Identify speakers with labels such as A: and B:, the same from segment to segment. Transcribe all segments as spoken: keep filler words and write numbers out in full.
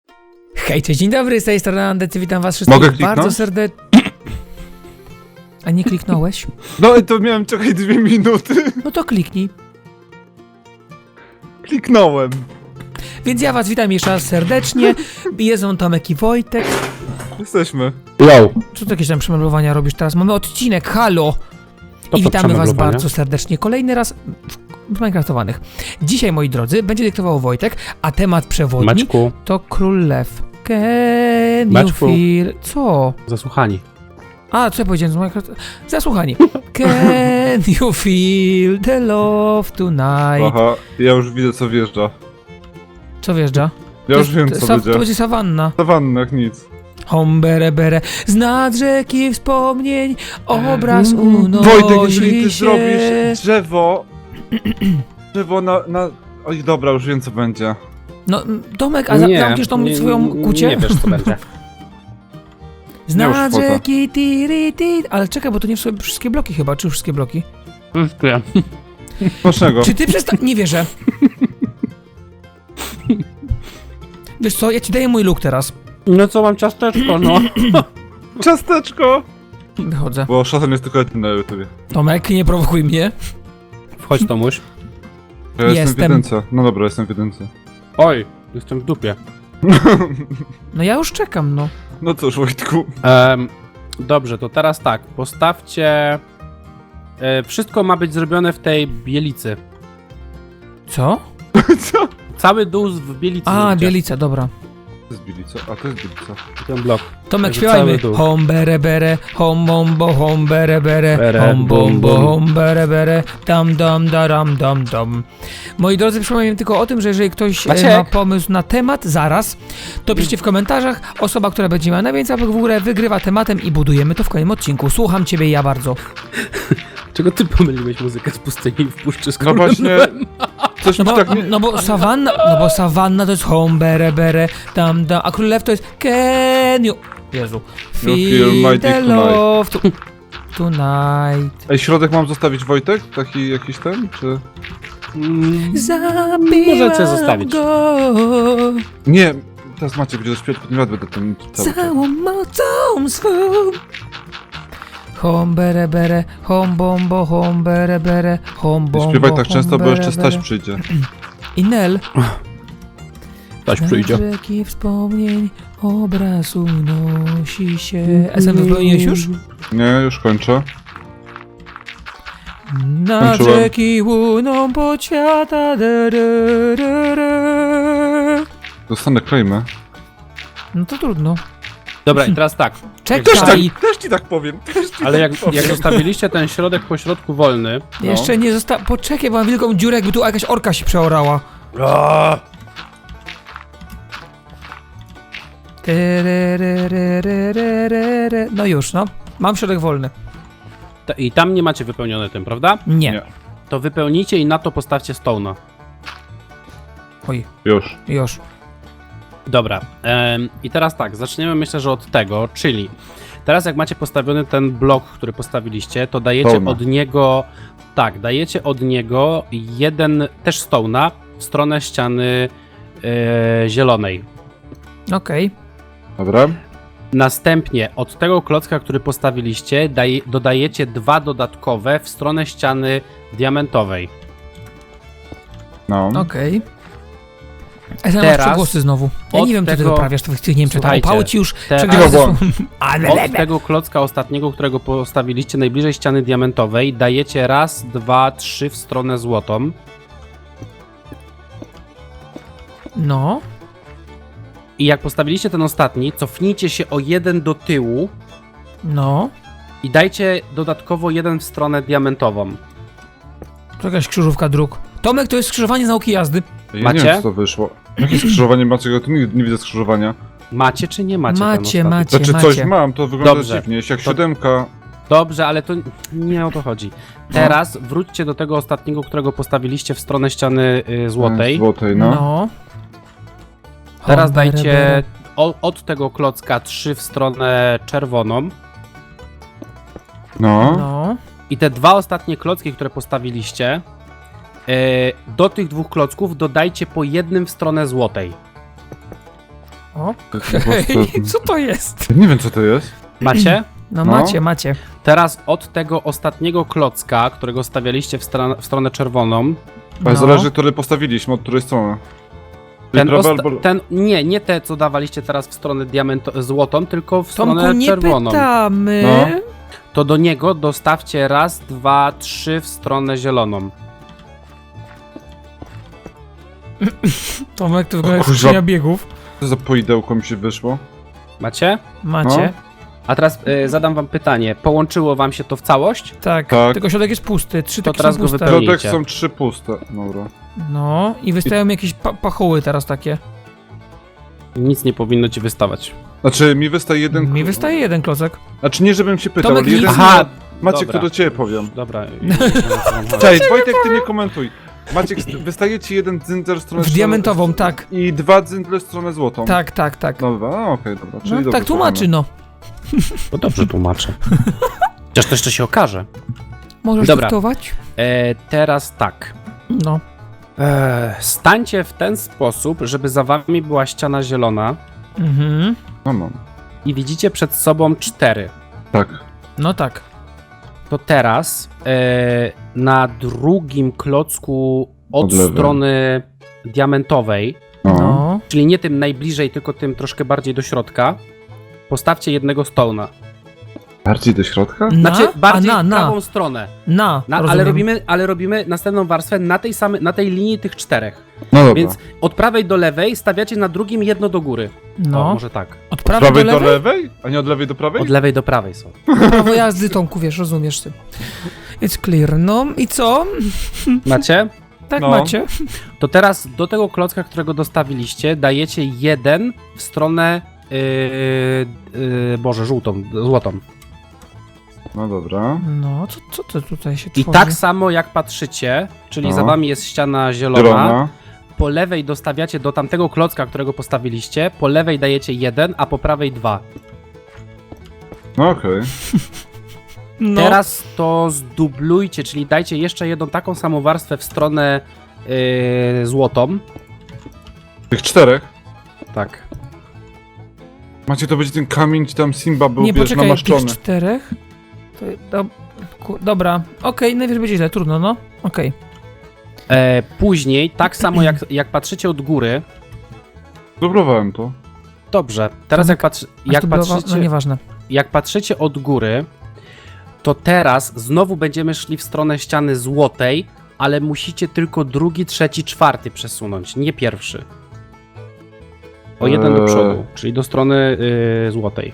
A: Hej, cześć, dzień dobry, z tej strony Andecy, witam was wszystkich
B: Mogę kliknąć?
A: bardzo serdecznie. A nie kliknąłeś?
B: No i to miałem czekać dwie minuty.
A: No to kliknij.
B: Kliknąłem.
A: Więc ja was witam jeszcze raz serdecznie. Jest on Tomek i Wojtek.
B: Jesteśmy.
C: Yo!
A: Co ty jakieś tam przemeblowania robisz teraz? Mamy odcinek, halo!
C: To
A: I
C: co
A: witamy was
C: przemeblowania?
A: bardzo serdecznie. Kolejny raz w, w Minecraftowanych. Dzisiaj, moi drodzy, będzie dyktował Wojtek, a temat przewodni
C: Maćku,
A: to Król Lew. Can you
C: Maćku.
A: feel... Co?
C: zasłuchani.
A: A, co ja powiedziałem z Minecraft? Zasłuchani. Can you feel the love tonight?
B: Aha, ja już widzę co wjeżdża.
A: Co wjeżdża?
B: Ja
A: To
B: już
A: jest-
B: wiem
A: to,
B: co
A: sa-
B: będzie.
A: To będzie sawanna.
B: Sawanna jak nic.
A: Hombere bere, z nad rzeki wspomnień, obraz
C: Mm.
A: unosi
B: Wojtek, jeżeli ty
A: się.
B: zrobisz drzewo... Drzewo na... na... Oj, dobra, już wiem co będzie.
A: No, Tomek, a za-
C: Nie,
A: zamkniesz tą
C: nie,
A: swoją kucię?
C: Nie wiesz co będzie.
A: Z
B: Nie, już
A: nad
B: kwota.
A: rzeki, tiri, ti. Ale czekaj, bo to nie są wszystkie bloki chyba, czy wszystkie bloki?
C: Dziękuję.
B: Smacznego.
A: Czy ty przesta... Nie wierzę. Wiesz co, ja ci daję mój look teraz.
C: No co, mam ciasteczko, no.
B: Ciasteczko!
A: Wychodzę.
B: Bo szatan jest tylko jeden na YouTubie.
A: Tomek, nie prowokuj mnie.
C: Wchodź, Tomuś.
B: Ja jestem,
A: Jestem.
B: w jedynce. No dobra, jestem w jedynce.
C: Oj, jestem w dupie.
A: No ja już czekam, no.
B: No cóż, Wojtku.
C: Em, dobrze, to teraz tak, postawcie... E, wszystko ma być zrobione w tej bielicy.
A: Co?
B: Co?
C: Cały dół w bielicy.
A: A,
C: zróbcie.
A: bielica, dobra.
B: To jest bilica, a to jest bilica.
C: Ten blok.
A: Tomek,
C: Także
A: śpiewajmy.
C: cały dół.
A: Hom bere bere, hom bombo, hom bere bere,
C: Bere,
A: hom
C: bum,
A: bombo,
C: bum.
A: hom bere bere, dam dam daram dam dam. Moi drodzy, przypominam tylko o tym, że jeżeli ktoś e,
C: Maciek.
A: ma pomysł na temat, zaraz, to piszcie w komentarzach. Osoba, która będzie miała najwięcej łapek w górę, wygrywa tematem i budujemy to w kolejnym odcinku. Słucham ciebie ja bardzo.
C: Czego ty pomyliłeś muzykę z pustyni w puszczy z
B: No
C: królem
B: właśnie...
C: lwem?
B: Coś
A: No
B: mi
A: bo,
B: tak nie...
A: no bo sawanna, no bo sawanna to jest hom bere bere, dam dam, a król lew to jest can you... Jezu.
B: feel my
A: Feel
B: dick
A: the
B: tonight.
A: love to- tonight.
B: Ej, środek mam zostawić, Wojtek? Taki jakiś ten, czy...
C: Mm,
A: Zabiłam
C: Możecie zostawić.
A: go
B: Nie, teraz Maciek będzie dośpiewać, potem ja będę ten cały czas.
A: całą mocą swą. Hom bere bere, hom bombo, hom bere bere, hom
B: Nie
A: bombo,
B: śpiewaj tak
A: hom
B: często, bo
A: bere
B: jeszcze Staś
A: bere.
B: przyjdzie.
A: I Nel.
C: Ktoś przyjdzie.
A: Na rzeki wspomnień obraz unosi się. S M wypełniłeś już?
B: Nie, już kończę.
A: Na
B: Kończyłem.
A: rzeki łuną pod świata. Da, da, da, da.
B: Dostanę klejmę.
A: No to trudno.
C: Dobra, i teraz tak.
A: Czekaj!
B: też ci tak powiem, też ci
C: Ale jak, jak zostawiliście ten środek po środku wolny,
B: No.
A: Jeszcze nie zosta... Poczekaj, bo mam wielką dziurę, jakby tu jakaś orka się przeorała. Tyryryryryryryry. No już, no. Mam środek wolny.
C: ta, i tam nie macie wypełnione tym, prawda?
A: Nie.
B: Nie.
C: To wypełnijcie i na to postawcie stone'a.
A: Oj,
B: Już.
A: już.
C: Dobra, em, i teraz tak, zaczniemy myślę, że od tego, czyli teraz jak macie postawiony ten blok, który postawiliście, to dajecie
B: Stone'a.
C: od niego, tak, dajecie od niego jeden, też stone'a w stronę ściany e, zielonej.
A: Okej.
B: Dobra.
C: Następnie od tego klocka, który postawiliście, daj, dodajecie dwa dodatkowe w stronę ściany diamentowej.
B: No.
A: Okej. A teraz
C: Teraz
A: przegłosy znowu. Ja
C: od
A: nie wiem, co ty
C: tego-
A: wyprawiasz, tych, tych Niemczech. Tam
C: Słuchajcie,
A: opały ci już
C: teraz-
A: przegłosy
B: Cicho,
A: są. Ale
C: Od tego klocka ostatniego, którego postawiliście najbliżej ściany diamentowej, dajecie raz, dwa, trzy w stronę złotą.
A: No.
C: I jak postawiliście ten ostatni, cofnijcie się o jeden do tyłu
A: No.
C: i dajcie dodatkowo jeden w stronę diamentową.
A: To jakaś krzyżówka dróg. Tomek, to jest skrzyżowanie z nauki jazdy.
B: Ja
C: Macie?
B: nie wiem, co to wyszło. Jakie skrzyżowanie macie? Ja tu nie, nie widzę skrzyżowania.
C: Macie czy nie macie? ten
A: Macie,
C: ostatni?
A: macie.
B: Znaczy coś mam, to wygląda
C: Dobrze.
B: dziwnie. Jest jak
C: To-
B: siódemka.
C: Dobrze, ale to nie o to chodzi. Teraz wróćcie do tego ostatniego, którego postawiliście w stronę ściany y, złotej.
B: Złotej, no.
A: No.
C: Teraz
A: Hom, bere,
C: dajcie
A: bere.
C: o, od tego klocka trzy w stronę czerwoną.
B: No.
A: No.
C: I te dwa ostatnie klocki, które postawiliście, e, do tych dwóch klocków dodajcie po jednym w stronę złotej.
A: Okej,
B: prostu-
A: co to jest?
B: Nie wiem co to jest.
C: Macie?
A: No,
B: No.
A: macie, macie.
C: Teraz od tego ostatniego klocka, którego stawialiście w, stran- w stronę czerwoną,
B: Ale
A: No.
B: zależy, który postawiliśmy, od której strony. Czyli
C: ten,
B: prawa
C: osta-
B: albo-
C: ten nie, nie te, co dawaliście teraz w stronę diamento- złotą, tylko w
A: Tomku,
C: stronę
A: nie
C: czerwoną.
A: pytamy.
B: No.
C: To do niego dostawcie raz, dwa, trzy w stronę zieloną.
A: Tomek, to wygląda jak
B: Kurwa.
A: skrzynia biegów.
B: Co za poidełko mi się wyszło?
C: Macie?
A: Macie.
C: A teraz y, zadam wam pytanie. Połączyło wam się to w całość?
A: Tak.
B: Tak.
A: Tylko środek jest pusty. Trzy
C: To
A: takie
C: teraz
A: są
C: go
A: puste.
C: wypełnij.
B: Środek
C: Pełnijcie.
B: są trzy puste. Dobra.
A: No i wystają jakieś pa pachoły teraz takie.
C: Nic nie powinno ci wystawać.
B: Znaczy, mi wystaje jeden...
A: Mi wystaje jeden klocek.
B: Znaczy, nie żebym się pytał,
A: Tomek,
B: ale jeden...
A: nic-
C: Aha!
B: Maciek,
C: dobra.
B: to do ciebie powiem.
C: Dobra. już wiem, o co wam chodzi.
B: Cześć, Wojtek, ty nie komentuj. Maciek, wystaje ci jeden dzyndzel w stronę...
A: W diamentową, tak.
B: I dwa dzyndzle w stronę złotą.
A: Tak, tak, tak.
B: Dobra, no okej, dobra. Czyli
A: No,
B: dobrze
A: tak tłumaczy, no.
C: To dobrze tłumaczę. Chociaż to jeszcze się okaże.
A: Możesz
C: Dobra.
A: dyktować?
C: E, teraz tak.
A: No.
C: E, stańcie w ten sposób, żeby za wami była ściana zielona
A: Mhm.
B: No, no.
C: i widzicie przed sobą cztery.
B: Tak.
A: No tak.
C: To teraz e, na drugim klocku od
B: Od lewej.
C: strony diamentowej,
B: No.
A: No.
C: czyli nie tym najbliżej, tylko tym troszkę bardziej do środka, postawcie jednego stone'a.
B: Bardziej do środka?
A: Na?
C: Znaczy bardziej
A: A, na,
C: w
A: na.
C: prawą stronę.
A: Na,
C: Na, ale,
A: rozumiem.
C: robimy, ale robimy następną warstwę na tej, samej, na tej linii tych czterech.
B: No dobra.
C: Więc od prawej do lewej stawiacie na drugim jedno do góry.
A: No.
C: O, może tak.
A: Od
B: Od
A: prawej
B: prawej
A: do lewej?
B: A nie od lewej do prawej?
C: Od lewej do prawej są.
A: Prawo jazdy, Tomku, wiesz, rozumiesz ty. It's clear. No i co?
C: Macie?
A: Tak
B: No.
A: macie.
C: To teraz do tego klocka, którego dostawiliście, dajecie jeden w stronę yy, yy, Boże, żółtą, złotą.
B: No dobra.
A: No, co, co to tutaj się
C: I
A: tworzy?
C: tak samo jak patrzycie, czyli
B: No.
C: za wami jest ściana zielona,
B: Zielona.
C: po lewej dostawiacie do tamtego klocka, którego postawiliście, po lewej dajecie jeden, a po prawej dwa.
B: No okej.
A: No.
C: Teraz to zdublujcie, czyli dajcie jeszcze jedną taką samą warstwę w stronę yy, złotą.
B: Tych czterech?
C: Tak.
B: Macie, to będzie ten kamień, ci tam Simba był,
A: Nie,
B: wiesz,
A: poczekaj, tych
B: namaszczony.
A: czterech? To, do, ku, dobra, okej, najwyżej będzie źle, trudno, no. Okej.
C: E, później, tak samo jak, jak patrzycie od góry,
B: Dublowałem to.
C: dobrze, teraz jak, patrzy,
A: A
C: jak,
A: tu była-
C: patrzycie,
A: No nieważne.
C: jak patrzycie od góry, to teraz znowu będziemy szli w stronę ściany złotej, ale musicie tylko drugi, trzeci, czwarty przesunąć, nie pierwszy. O jeden do
B: Eee.
C: przodu, czyli do strony yy, złotej.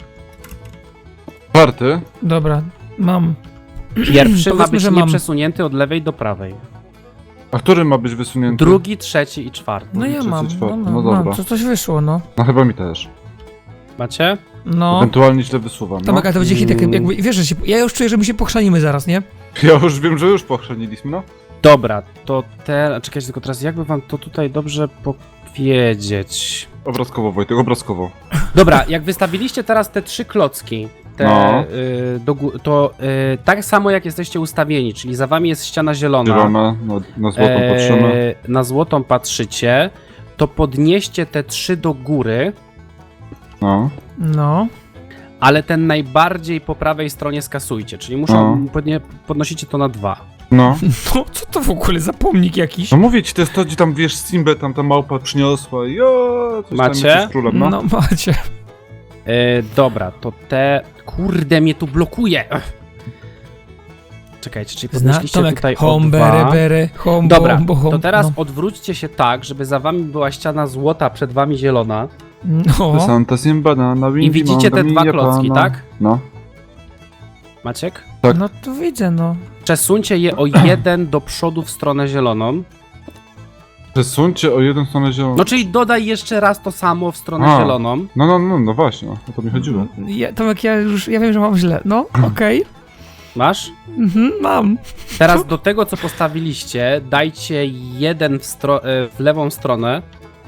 B: Czwarty.
A: Dobra, mam.
C: Pierwszy ma
A: Powiedzmy,
C: być
A: że mam.
C: nieprzesunięty od lewej do prawej.
B: A który ma być wysunięty?
C: Drugi, trzeci i czwarty.
A: No ja
B: trzeci,
A: mam, no,
B: czwarty,
A: no,
B: no
A: mam,
B: dobra.
A: co, coś wyszło, no.
B: No chyba mi też.
C: Macie?
A: No.
B: Ewentualnie źle wysuwam, no.
A: Tomek, ale to będzie hit, jak, jakby, wiesz, że się, ja już czuję, że my się pochrzanimy zaraz, nie?
B: Ja już wiem, że już pochrzaniliśmy, no.
C: Dobra, to teraz. Czekajcie, tylko teraz jakby wam to tutaj dobrze powiedzieć.
B: Obrazkowo, Wojtek, obrazkowo.
C: Dobra, jak wystawiliście teraz te trzy klocki, te,
B: No.
C: y, do, gó- to y, tak samo jak jesteście ustawieni, czyli za wami jest ściana zielona.
B: Zielona, no, na złotą
C: e,
B: patrzymy.
C: Na złotą patrzycie, to podnieście te trzy do góry,
B: No.
A: No.
C: ale ten najbardziej po prawej stronie skasujcie, czyli muszą
B: No.
C: podnie, podnosicie to na dwa.
B: No.
A: No, co to w ogóle za pomnik jakiś?
B: No mówię ci, to jest to, gdzie tam, wiesz, Simbę tam ta małpa przyniosła i o, coś
C: Macie?
B: tam jest z królem, no.
A: No, macie.
C: E, dobra, to te. Kurde, mnie tu blokuje. Ech. Czekajcie, czyli
A: Zna,
C: podnieśliście
A: Tomek,
C: tutaj o
A: home,
C: dwa.
A: bere, bere, home,
C: Dobra,
A: bo, bo,
C: to teraz
A: no.
C: odwróćcie się tak, żeby za wami była ściana złota, przed wami zielona.
A: No.
B: Santa Simba na, na
C: I widzicie te dwa klocki, tak?
B: No.
C: Maciek?
B: Tak.
A: No to widzę, no.
C: Przesuńcie je o jeden do przodu w stronę zieloną.
B: Przesuńcie o jedną stronę zieloną.
C: No czyli dodaj jeszcze raz to samo w stronę
B: A.
C: zieloną.
B: No, no, no, no właśnie, o to mi chodziło.
A: Ja, Tomek, ja już, ja wiem, że mam źle. No, okej.
C: Masz?
A: Mhm, mam.
C: Teraz do tego, co postawiliście, dajcie jeden w, stro- e, w lewą stronę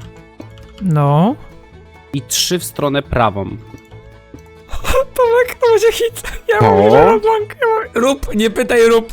A: No.
C: i trzy w stronę prawą.
A: Tomek, to będzie hit. Ja
B: O.
A: mówię, że Roblank. Ja mówię, rób, nie pytaj, rób.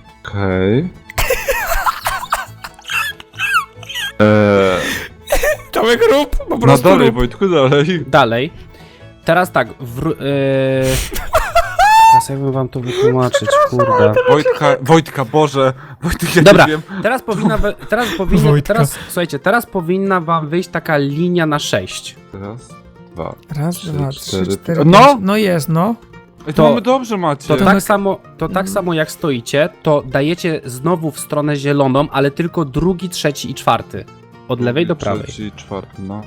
B: Okej. Eee,
A: Tomek, rób, po
B: No
A: prostu
B: dalej,
A: rób.
B: Wojtku, dalej.
C: Dalej. Teraz tak, wr... Yy... Teraz jakbym wam to wytłumaczyć, kurde.
B: Wojtka, Wojtka, Boże. Wojtek, ja
C: Dobra,
B: nie wiem.
C: teraz powinna, we- teraz powinna,
A: Wojtka.
C: teraz, słuchajcie, teraz powinna wam wyjść taka linia na sześć.
B: Raz, dwa.
A: Raz,
B: Trzy,
A: dwa, trzy,
B: cztery,
A: cztery,
B: no!
A: pięć. No jest, no.
B: Ej,
C: To-
B: to mamy dobrze, macie.
C: To
A: Tomek-
C: tak samo, to tak samo jak stoicie, to dajecie znowu w stronę zieloną, ale tylko drugi, trzeci i czwarty. Od lewej do prawej.
B: Trzeci, czwarty, no.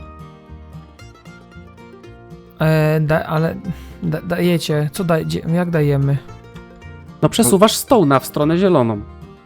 A: E, da, ale da, dajecie, co dajecie, jak dajemy?
C: No przesuwasz stołna w stronę zieloną.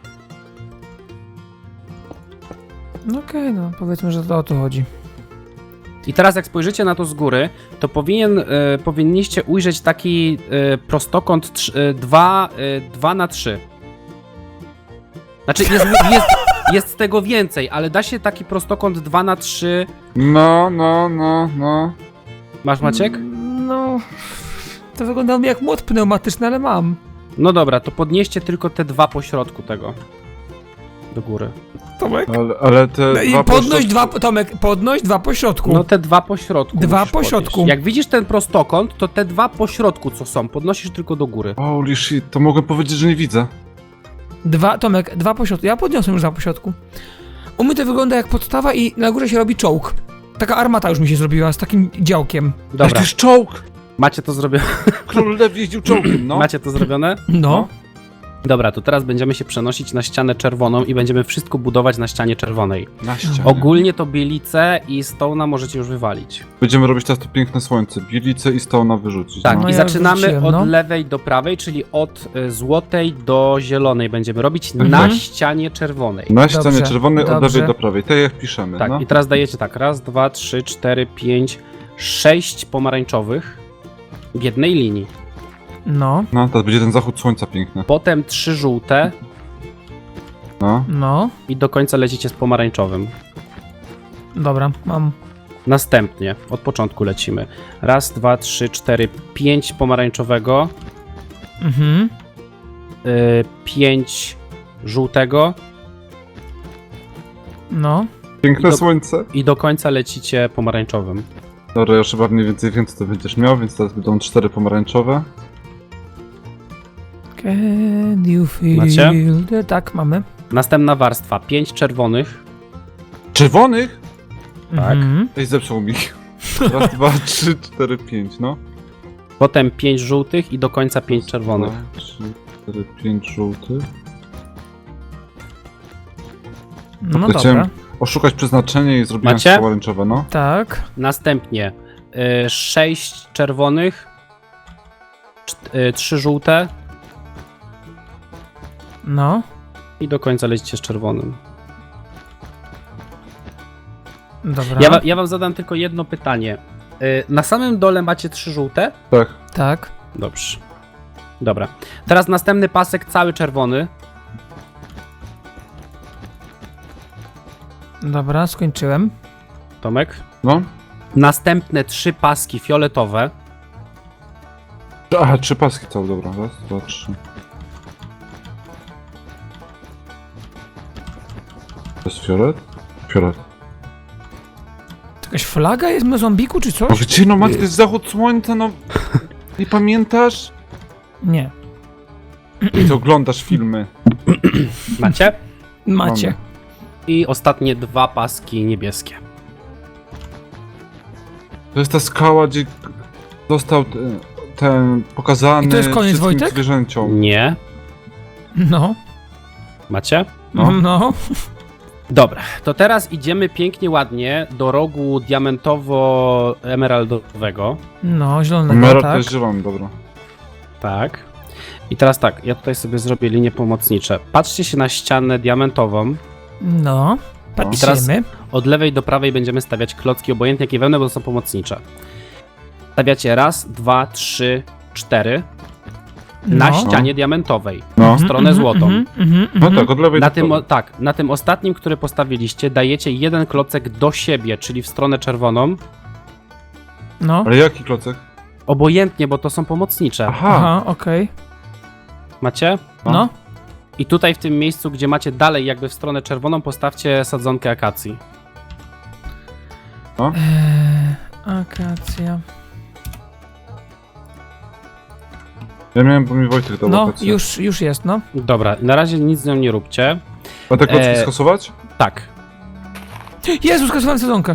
A: No okej, no powiedzmy, że to o to chodzi.
C: I teraz jak spojrzycie na to z góry, to powinien, e, powinniście ujrzeć taki e, prostokąt dwa na trzy. Znaczy jest, jest, jest tego więcej, ale da się taki prostokąt dwa na trzy.
B: No, no, no, no.
C: Masz, Maciek?
A: No, to wygląda mi jak młot pneumatyczny, ale mam.
C: No dobra, to podnieście tylko te dwa po środku tego. Do góry.
A: Tomek?
B: Ale, ale te
A: No i
B: dwa
A: podnoś
B: pośrodku-
A: dwa, Tomek, podnoś dwa po środku.
C: No te dwa po środku.
A: Dwa
C: musisz
A: po
C: podnieść.
A: środku.
C: Jak widzisz ten prostokąt, to te dwa po środku co są, podnosisz tylko do góry.
B: Holy shit, to mogę powiedzieć, że nie widzę.
A: Dwa, Tomek, dwa po środku. Ja podniosłem już dwa po środku. U mnie to wygląda jak podstawa i na górze się robi czołg. Taka armata już mi się zrobiła z takim działkiem.
B: Ale to
C: Dobra,
B: jest czołg!
C: macie to zrobione?
B: Król Lew jeździł czołgiem, no.
C: Macie to zrobione?
A: No.
C: Dobra, to teraz będziemy się przenosić na ścianę czerwoną i będziemy wszystko budować na ścianie czerwonej.
B: Na ścianie.
C: Ogólnie to bielice i stołna możecie już wywalić.
B: Będziemy robić teraz to piękne słońce. Bielice i stołna wyrzucić.
C: Tak,
B: no.
A: No
C: i
A: ja
C: zaczynamy
A: wróciłem,
C: od
A: no.
C: lewej do prawej, czyli od y, złotej do zielonej będziemy robić
A: Mhm.
C: na ścianie czerwonej.
B: Na ścianie
A: Dobrze,
B: czerwonej od
A: dobrze.
B: lewej do prawej. Tak jak piszemy,
C: Tak,
B: no.
C: i teraz dajecie tak, raz, dwa, trzy, cztery, pięć, sześć pomarańczowych w jednej linii.
A: No,
B: No, teraz będzie ten zachód słońca piękny.
C: Potem trzy żółte
B: No.
A: no.
C: i do końca lecicie z pomarańczowym.
A: Dobra, mam.
C: Następnie, od początku lecimy. Raz, dwa, trzy, cztery, pięć pomarańczowego,
A: Mhm.
C: y, pięć żółtego
A: No.
B: Piękne
C: I do-
B: słońce.
C: i do końca lecicie pomarańczowym.
B: Dobra, ja już chyba mniej więcej wiem, co to będziesz miał, więc teraz będą cztery pomarańczowe.
A: Can you feel
C: Macie?
A: the... Tak, mamy.
C: Następna warstwa, pięć czerwonych,
B: Czerwonych?
C: Tak.
A: Mhm.
B: Ej, zepsuł mi. Raz, dwa, trzy, cztery, pięć, no.
C: potem pięć żółtych i do końca pięć czerwonych.
B: Dwa, trzy, cztery, pięć żółtych.
A: No
B: To chciałem
A: dobra.
B: Oszukać przeznaczenie i zrobiłem
C: Macie?
B: pomarańczowe, no.
A: Tak.
C: Następnie y, sześć czerwonych, czt- y, trzy żółte
A: No.
C: i do końca lecicie z czerwonym.
A: Dobra.
C: Ja, wa- ja wam zadam tylko jedno pytanie. Y, na samym dole macie trzy żółte?
B: Tak.
A: Tak.
C: Dobrze. Dobra. Teraz następny pasek cały czerwony.
A: Dobra, skończyłem.
C: Tomek.
B: No.
C: Następne trzy paski fioletowe.
B: Aha, trzy paski całe, dobra. Raz, dwa, trzy. To jest fiolet? Fiolet.
A: To jakaś flaga jest w Mozambiku, czy
B: O,
A: coś?
B: gdzie no macie, to jest zachód słońca, no. Nie pamiętasz?
A: Nie.
B: I to oglądasz filmy.
C: Macie?
A: Macie.
B: Mamy.
C: I ostatnie dwa paski niebieskie.
B: To jest ta skała, gdzie został te- ten pokazany
A: I to jest koniec,
B: wszystkim
A: Wojtek?
B: zwierzęciom.
C: Nie.
A: No.
C: Macie?
B: No.
A: No. no.
C: Dobra, to teraz idziemy pięknie, ładnie do rogu diamentowo-emeraldowego.
A: No, zielonego,
B: Emerald to
A: tak.
B: jest zielony, dobra.
C: Tak. I teraz tak, ja tutaj sobie zrobię linie pomocnicze. Patrzcie się na ścianę diamentową.
A: No. Patrzymy.
C: Od lewej do prawej będziemy stawiać klocki, obojętnie jakie wełny, bo to są pomocnicze. Stawiacie raz, dwa, trzy, cztery na
A: No.
C: ścianie diamentowej.
B: No.
C: w stronę złotą.
A: Mhm, mhm,
B: No
A: mhm.
B: tak, od lewej
C: Na
B: do
C: tym, o,
B: prawej.
C: tak, na tym ostatnim, który postawiliście, dajecie jeden klocek do siebie, czyli w stronę czerwoną.
A: No.
B: Ale jaki klocek?
C: Obojętnie, bo to są pomocnicze.
B: Aha.
A: Aha, okej.
C: Macie?
A: No.
C: I tutaj w tym miejscu, gdzie macie dalej jakby w stronę czerwoną, postawcie sadzonkę akacji.
B: No.
A: Eee, akacja.
B: Ja miałem, bo mi Wojtek dał
A: No,
B: wakacje.
A: już, już jest, no.
C: Dobra, na razie nic z nią nie róbcie.
B: A te kotki
C: E,
B: skasować?
C: Tak.
A: Jezus, skasowałem sezonkę.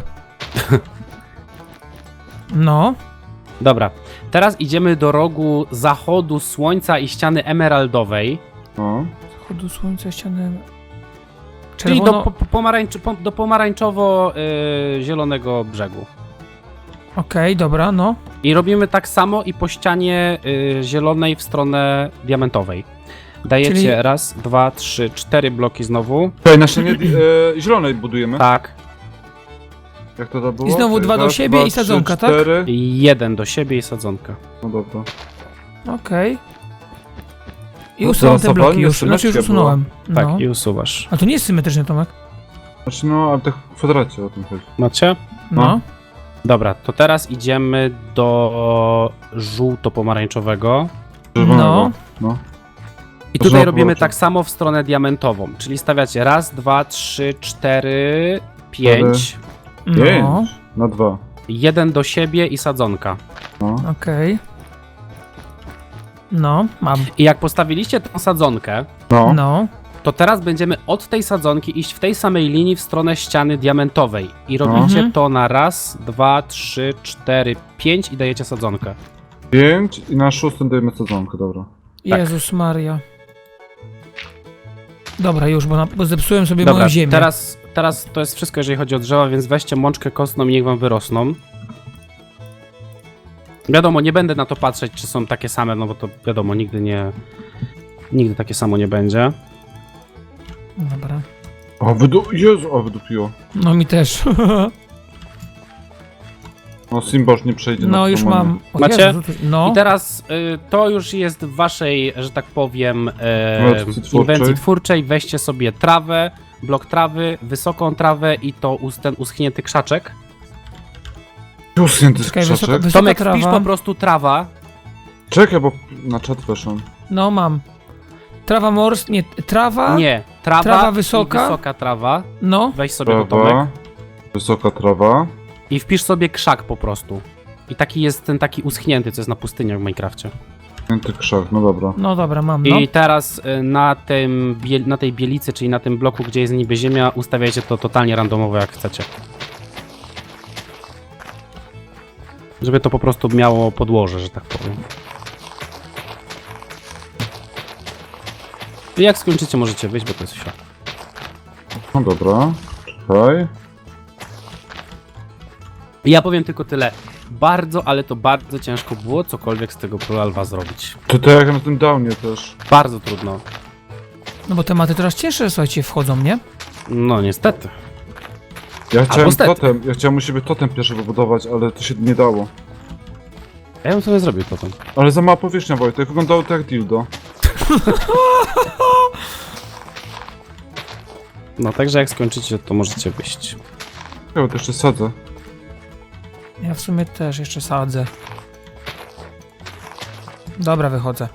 A: No.
C: Dobra, teraz idziemy do rogu zachodu słońca i ściany emeraldowej,
B: No.
A: Zachodu słońca, ściany...
C: czyli do,
A: Czerwono...
C: po, po- pomarańcz, po, do pomarańczowo-zielonego brzegu.
A: Okej, dobra, no.
C: I robimy tak samo i po ścianie y, zielonej w stronę diamentowej. Dajecie
A: Czyli-
C: raz, dwa, trzy, cztery bloki znowu.
B: Tutaj na ścianie e, zielonej budujemy.
C: Tak.
B: Jak to tam było?
A: I znowu
B: Okej,
A: dwa do
B: raz,
A: siebie
B: dwa,
A: i sadzonka,
B: trzy,
A: tak?
B: cztery.
C: I jeden do siebie i sadzonka.
B: No dobra.
A: Okej. I
B: No,
A: usunąłem te bloki
B: zastosowanie
A: już, znaczy już
B: symetria
A: usunąłem.
C: Tak,
A: No.
C: i usuwasz.
A: A to nie jest symetryczny, Tomek.
B: Znaczy no, ale tak w kwadracie o tym chodzi.
C: Macie?
A: No.
B: No.
C: Dobra, to teraz idziemy do żółto-pomarańczowego.
B: Czerwonego. No.
C: I tutaj
B: Znowu
C: robimy
B: bloki.
C: tak samo w stronę diamentową, czyli stawiacie raz, dwa, trzy, cztery, pięć,
A: No.
B: Pięć. Na dwa.
C: jeden do siebie i sadzonka.
B: No.
A: Okej. No, mam.
C: I jak postawiliście tą sadzonkę,
B: No.
A: No.
C: to teraz będziemy od tej sadzonki iść w tej samej linii w stronę ściany diamentowej. I robicie
A: Mhm.
C: to na raz, dwa, trzy, cztery, pięć i dajecie sadzonkę.
B: Pięć i na szóstym dajemy sadzonkę, dobra.
A: Jezus Maria. Dobra, już, bo, na, bo zepsułem sobie
C: Dobra,
A: moją ziemię.
C: teraz, teraz to jest wszystko, jeżeli chodzi o drzewa, więc weźcie mączkę kostną i niech wam wyrosną. Wiadomo, nie będę na to patrzeć, czy są takie same, no bo to wiadomo, nigdy nie... Nigdy takie samo nie będzie.
A: Dobra.
B: O, wydu... Jezu, o, wydupiło.
A: No mi też.
B: No, Simboż nie przejdzie na
A: No już
B: promanie.
A: mam. O
C: Macie?
A: Jezu, to- no.
C: I teraz y, to już jest w waszej, że tak powiem, e,
B: Inwencji twórczej.
C: inwencji twórczej. Weźcie sobie trawę, blok trawy, wysoką trawę i to us, ten uschnięty krzaczek.
B: Uschnięty
A: Czekaj,
B: krzaczek.
A: wysoka, wysoka
C: Tomek,
A: trawa.
C: wpisz po prostu trawa.
B: Czekaj, bo na czat weszłam.
A: No mam. Trawa morska, nie, trawa.
C: Nie, trawa,
A: Trawa wysoka.
C: i wysoka trawa.
A: No.
C: Weź sobie to, Tomek.
B: Trawa. Wysoka trawa.
C: I wpisz sobie krzak po prostu. I taki jest ten taki uschnięty, co jest na pustyniach w Minecrafcie.
B: Uschnięty krzak, no dobra.
A: No dobra, mam, no.
C: I teraz y, na, tym, biel- na tej bielicy, czyli na tym bloku, gdzie jest niby ziemia, ustawiajcie to totalnie randomowo jak chcecie. Żeby to po prostu miało podłoże, że tak powiem. I jak skończycie, możecie wyjść, bo to jest świat.
B: No dobra. Czekaj.
C: I ja powiem tylko tyle. Bardzo, ale to bardzo ciężko było cokolwiek z tego Proalwa zrobić.
B: To tak jak na tym downie też.
C: Bardzo trudno.
A: No bo tematy coraz cięższe, słuchajcie, wchodzą, nie?
C: No niestety.
B: Ja chciałem
C: stety.
B: totem, ja chciałem u siebie totem pierwszy wybudować, ale to się nie dało.
C: Ja bym sobie zrobił to tam.
B: Ale za mała powierzchnia, Wojtek, wyglądało to jak dildo.
C: No także jak skończycie, to możecie wyjść.
B: Ja to jeszcze sadzę.
A: Ja w sumie też jeszcze sadzę. Dobra, wychodzę.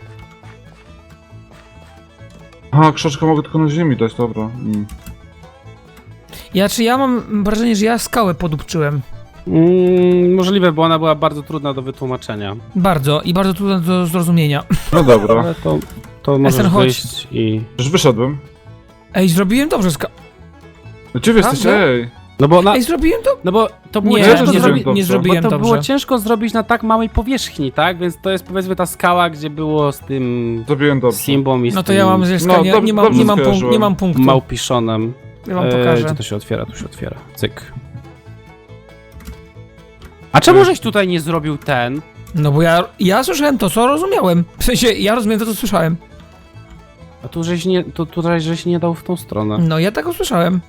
B: A, krzaczka mogę tylko na ziemi dać, dobra. Mm.
A: Ja czy ja mam wrażenie, że ja skałę podupczyłem.
C: Mm, możliwe, bo ona była bardzo trudna do wytłumaczenia.
A: Bardzo i bardzo trudne do zrozumienia.
B: No dobra.
C: Ale to, to możesz
A: Esen, chodź.
C: wyjść i...
B: Już wyszedłem.
A: Ej, zrobiłem dobrze ska...
B: Gdzie wy jesteście?
A: Prawda?
B: Ej!
C: No bo, na,
A: Ej, zrobiłem to...
C: no bo to było
A: Nie,
B: ja
C: ciężko
B: też
A: nie,
B: zrobiłem
A: zrobi...
C: zrobić...
A: nie
B: dobrze.
A: zrobiłem
C: Bo to
A: dobrze.
C: było ciężko zrobić na tak małej powierzchni, tak? Więc to jest powiedzmy ta skała, gdzie było z tym
B: Zrobiłem dobrze.
C: Simbą i z
A: No to
C: tym
A: ja mam zresztą,
B: No,
A: nie,
B: dob-
A: nie, mam,
B: dobrze
A: nie, mam punkt,
B: skojarzyłem.
A: nie mam punktu.
C: małpiszonem.
A: Ja wam
C: E,
A: pokażę.
C: Gdzie to się otwiera? Tu się otwiera. Cyk. A czemu żeś tutaj nie zrobił ten?
A: No bo ja, ja słyszałem to, co rozumiałem. W sensie, ja rozumiem to, co słyszałem.
C: A tu żeś nie, to tutaj żeś nie dał w tą stronę.
A: No ja tak usłyszałem.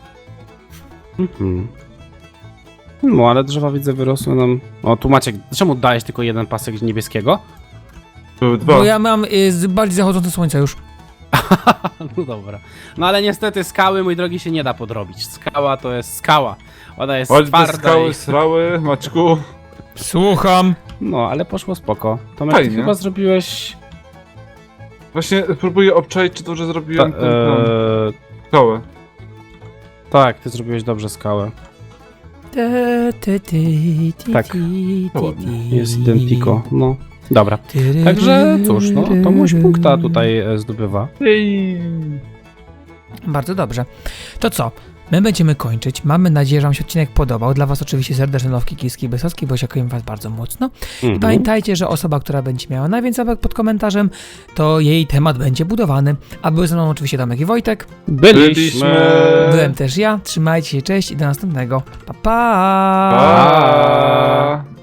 C: Mhm. No ale drzewa widzę wyrosły nam... O tu Maciek, czemu dałeś tylko jeden pasek niebieskiego?
B: Były dwa.
A: Bo ja mam y, z bardziej zachodzące słońce już.
C: No dobra. No ale niestety skały, mój drogi, się nie da podrobić. Skała to jest skała. Ona jest
B: Chodź te
C: twarda
B: skały,
C: i...
B: srały, Maćku.
A: Słucham.
C: No, ale poszło spoko. Tomek, ty
B: Fajnie.
C: chyba zrobiłeś...
B: Właśnie próbuję obczaić, czy dobrze
C: Ta,
B: zrobiłem tę
C: eee,
B: skałę.
C: tak, ty zrobiłeś dobrze skałę.
A: Te, te, te, te,
C: Tak.
A: te, te,
B: Ładnie.
A: te.
C: Jest Identico, no. Dobra.
A: Tyry,
C: Także cóż, no, to mój
A: tyry.
C: punkta tutaj e, zdobywa.
B: Ej.
A: Bardzo dobrze. To co? My będziemy kończyć. Mamy nadzieję, że Wam się odcinek podobał. Dla Was oczywiście serdeczne nowki Kiski Wysocki, bo dziękuję Was bardzo mocno. I
C: Mhm.
A: pamiętajcie, że osoba, która będzie miała najwięcej łapek pod komentarzem, to jej temat będzie budowany. A były ze mną oczywiście Tomek i Wojtek.
C: Byliśmy.
A: Byłem też ja. Trzymajcie się, cześć i do następnego. Pa, pa!
B: Pa.